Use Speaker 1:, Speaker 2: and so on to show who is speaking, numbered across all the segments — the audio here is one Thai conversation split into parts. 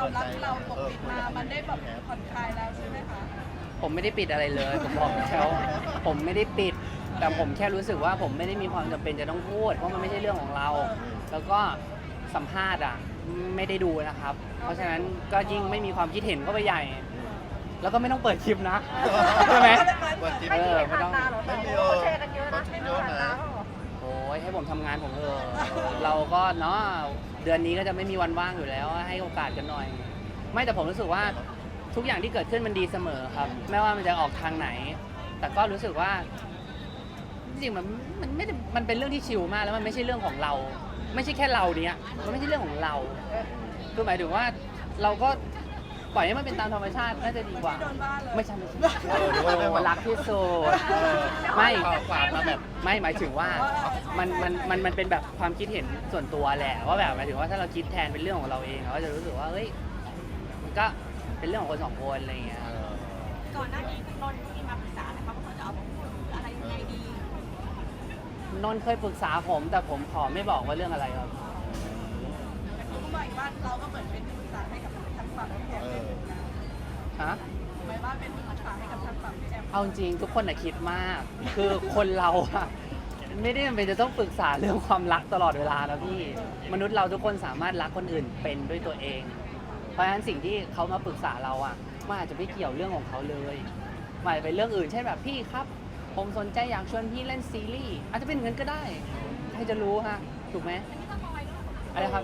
Speaker 1: ความรักเราปกปิดมามันได้แบบผ่อนคลายแล้วใช่ไหมคะ
Speaker 2: ผมไม่ได้ปิดอะไรเลยผมบอกแล้วผมไม่ได้ปิด แต่ผมแค่รู้สึกว่าผมไม่ได้มีความจำเป็นจะต้องพูดเพราะมันไม่ใช่เรื่องของเรา แล้วก็สัมภาษณ์อ่ะไม่ได้ดูนะครับ เพราะฉะนั้นก็ยิ่งไม่มีความคิดเห็นก็ไปใหญ่ แล้วก็ไม่ต้องเปิดคลิปนะใช่ไหม
Speaker 3: เปิดคลิป
Speaker 2: เออไม่ต้อง
Speaker 3: ไม่มี
Speaker 4: เขาแชร์กันเยอะนะ
Speaker 3: เขาเยอะนะ
Speaker 2: โอ้ยให้ผมทำงานผมเถอะเราก็เนาะเดือนนี้ก็จะไม่มีวันว่างอยู่แล้วให้โอกาสกันหน่อย ไม่แต่ผมรู้สึกว่าทุกอย่างที่เกิดขึ้นมันดีเสมอครับไม่ว่ามันจะออกทางไหน แต่ก็รู้สึกว่าจริงๆมันไม่ได้มันเป็นเรื่องที่ชิลมากแล้วมันไม่ใช่เรื่องของเรา ไม่ใช่แค่เราเนี้ยมันไม่ใช่เรื่องของเราคือหมายถึงว่าเราก็ปล่อยให้มันเป็นตามธรรมชาติน่าจะดีกว่า
Speaker 1: โดนบ้าเลย
Speaker 2: ไม่ใช่
Speaker 3: หรือว่าไม่ว่า
Speaker 2: รักที่สุดไม่
Speaker 3: ฝากมาแบบ
Speaker 2: ไม่หมายถึงว่ามันเป็นแบบความคิดเห็นส่วนตัวแหละว่าแบบหมายถึงว่าถ้าเราคิดแทนเป็นเรื่องของเราเองเราก็จะรู้สึกว่าเฮ้ยมันก็เป็นเรื่องของคนสองคนอะไรอย่างเงี้ย
Speaker 4: ก่อนหน้านี้นนท์มีมาปรึกษาไหมคะว่าเขาจะเอาพูดหรืออะไรยังไงดี
Speaker 2: นนท์เคยปรึกษาผมแต่ผมขอไม่บอกว่าเรื่องอะไรครับ
Speaker 1: แต่เขาก็บอกอีกว่าเราก็เหมือนเป็นที่ปรึกษาให้กับทางฝั่งพี่แอมเป็นนะ
Speaker 2: ฮะ
Speaker 1: หมายว่าเป็นที่ปรึกษาให้กับทางฝั่งพี่แอม
Speaker 2: เอาจริงทุกคนคิดมาก คือคนเราอะไม่ได้จำเป็นจะต้องปรึกษาเรื่องความรักตลอดเวลานะพี่มนุษย์เราทุกคนสามารถรักคนอื่นเป็นด้วยตัวเอง เพราะฉะนั้นสิ่งที่เขามาปรึกษาเราอะมันอาจจะไม่เกี่ยวเรื่องของเขาเลยมันอาจจะเป็นเรื่องอื่นเช่นแบบพี่ครับ ผมสนใจอยากชวนพี่เล่นซีรีส์อาจจะเป็นเงินก็ได้ใครจะรู้ฮะถูกไหมอะไรครับ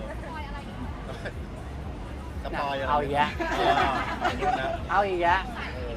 Speaker 3: สปอยอะไร
Speaker 2: เอาอีกแล้ว
Speaker 3: นะ
Speaker 2: เอาอีกแล้ว
Speaker 3: เออ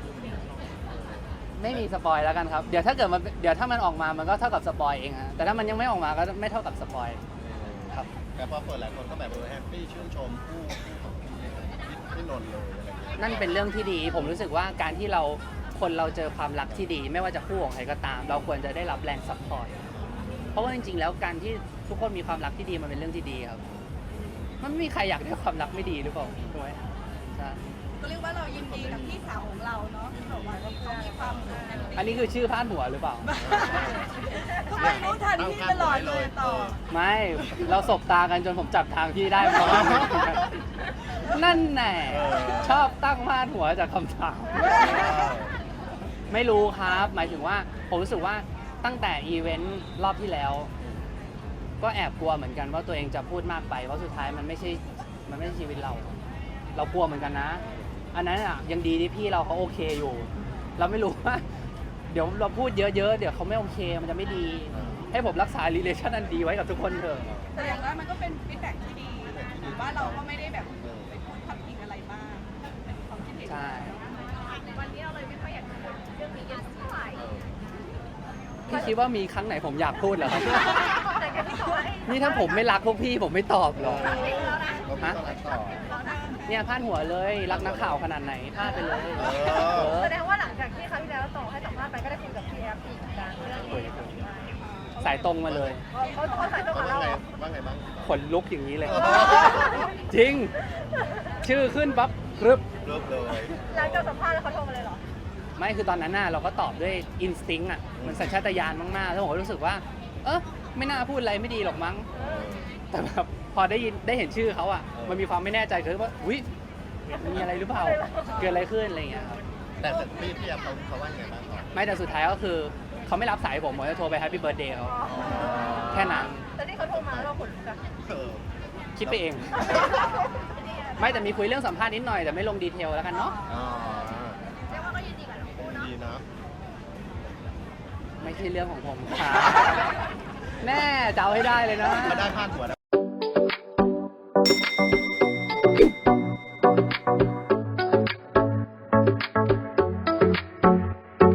Speaker 2: ไม่มีสปอยแล้วกันครับ เดี๋ยวถ้าเกิดมันเดี๋ยวถ้ามันออกมามันก็เท่ากับสปอยเองฮะแต่ถ้ามันยังไม่ออกมาก็ไม่เท่ากับสปอยครับ
Speaker 3: แต่พอเปิดหลายคนก็แบบแฮปปี้ชื่นชมคู่ของพี่นนท์เลยอะไรอย่างเงี้ย
Speaker 2: นั่นเป็นเรื่องที่ดี ผมรู้สึกว่าการที่คนเราเจอความรักที่ดี ไม่ว่าจะคู่ของใครก็ตาม เราควรจะได้รับแรงซัพพอร์ตเพราะว่าจริงๆแล้วการที่ทุกคนมีความรักที่ดีมันเป็นเรื่องที่ดีครับ มันไม่มีใครอยากได้ความรักไม่ดีหรือเปล่าถูกไหมใช่
Speaker 1: ก็เรียกว่าเรายินดีกับพี่สาวของเราเนาะที่บอกว่าเขามีความสุขแฮปปี้
Speaker 2: อันนี้คือชื่อพาดหัวหรือเปล่า
Speaker 1: ทำไมรู้ทันพี่ตลอดเลยต่อ
Speaker 2: ไม่เราสบตากันจนผมจับทางพี่ได้เพราะว่า นั่นแน่ชอบตั้งพาดหัวจากคำถาม ไม่รู้ครับ หมายถึงว่าผมรู้สึกว่าตั้งแต่อีเวนต์รอบที่แล้ว ก็แอบกลัวเหมือนกันว่าตัวเองจะพูดมากไปเพราะสุดท้ายมันไม่ใช่ชีวิตเรา เรากลัวเหมือนกันนะ อันนั้นอ่ะยังดีที่พี่เราเขาโอเคอยู่ เราไม่รู้ว่า เดี๋ยวเราพูดเยอะๆเดี๋ยวเขาไม่โอเคมันจะไม่ดี ให้ผมรักษา relation อันดีไว้กับทุกคนเถอะ
Speaker 1: แต่อย่างน้อยมันก็เป็นฟีดแบ็กที่ดีหรือว่าเราก็ไม่ได้แบบไปพูดพาดพิงอะไรมากเป็นความคิดเห็น
Speaker 2: ใช่
Speaker 4: วันนี้เราเลยไม่ค่อยอยากพูดเรื่องนี้กันเท่าไหร่
Speaker 2: พี่คิดว่ามีครั้งไหนผมอยากพูดเหรอครับ
Speaker 4: แต่ก็ที่บอกว่า
Speaker 2: นี่ถ้าผมไม่รักพวกพี่ผมไม่ตอบหรอก
Speaker 3: เราไม่ต้องรักต่อ
Speaker 2: เนี่ยพาดหัวเลยรักนักข่าวขนาดไหนพาดไปเลย
Speaker 4: แสดงว่าหลังจากที่ครั้งที่แล้วต่อให้สัมภาษณ์ไปก็ได้คุยกับพี่แอฟอีกเหมือนกันเรื่องนี้
Speaker 2: สายตรงมาเลย
Speaker 4: เขาใส่ตัว
Speaker 3: เขา
Speaker 4: กับ
Speaker 3: ว่า
Speaker 4: เรา
Speaker 3: ไงบ้าง
Speaker 2: ขนลุกอย่างนี้เลย จริง ชื่อขึ้นปั๊บกรึบ
Speaker 3: เริ่มเลย
Speaker 4: หลังจากสัมภาษณ์แล้วเขาโทรมาเลยเหรอ
Speaker 2: ไม่คือตอนนั้นน่ะเราก็ตอบด้วยอินสติ้งอ่ะมันสัญชาตญาณมากๆแล้วผมก็รู้สึกว่า ไม่น่าพูดอะไรไม่ดีหรอกมั้ง แต่แบบพอได้เห็นชื่อเขาอ่ะมันมีความไม่แน่ใจเกิดว่าอุ้ยมีอะไรหรือเปล่าเกิดอะไรขึ้นอะไรอย่างเงี้ยครับ
Speaker 3: แต่พี่แอฟเขาว่าไงบ้างต่อ
Speaker 2: ไม่แต่สุดท้ายก็คือเขาไม่รับสายผมจะโทรไปแฮปปี้เบิร์ดเดย์เขาแค่นั้น
Speaker 4: แต่ที่เขาโทรมาแล้วเราขนลุกอะ
Speaker 3: เออ
Speaker 2: คิดไปเอง ไม่แต่มีคุยเรื่องสัมภาษณ์นิดหน่อยแต่ไม่ลงดีเทลแล้วกันเนาะ
Speaker 3: อ๋อ
Speaker 4: เรียกว่าก็ยินดีกับทั้งคู่เนาะ
Speaker 3: ดีนะ
Speaker 2: ไม่ใช่เรื่องของผมค่ะแม่จะเอาให้ได้เลยนะ
Speaker 3: เขาได้พาดหัวแล้ว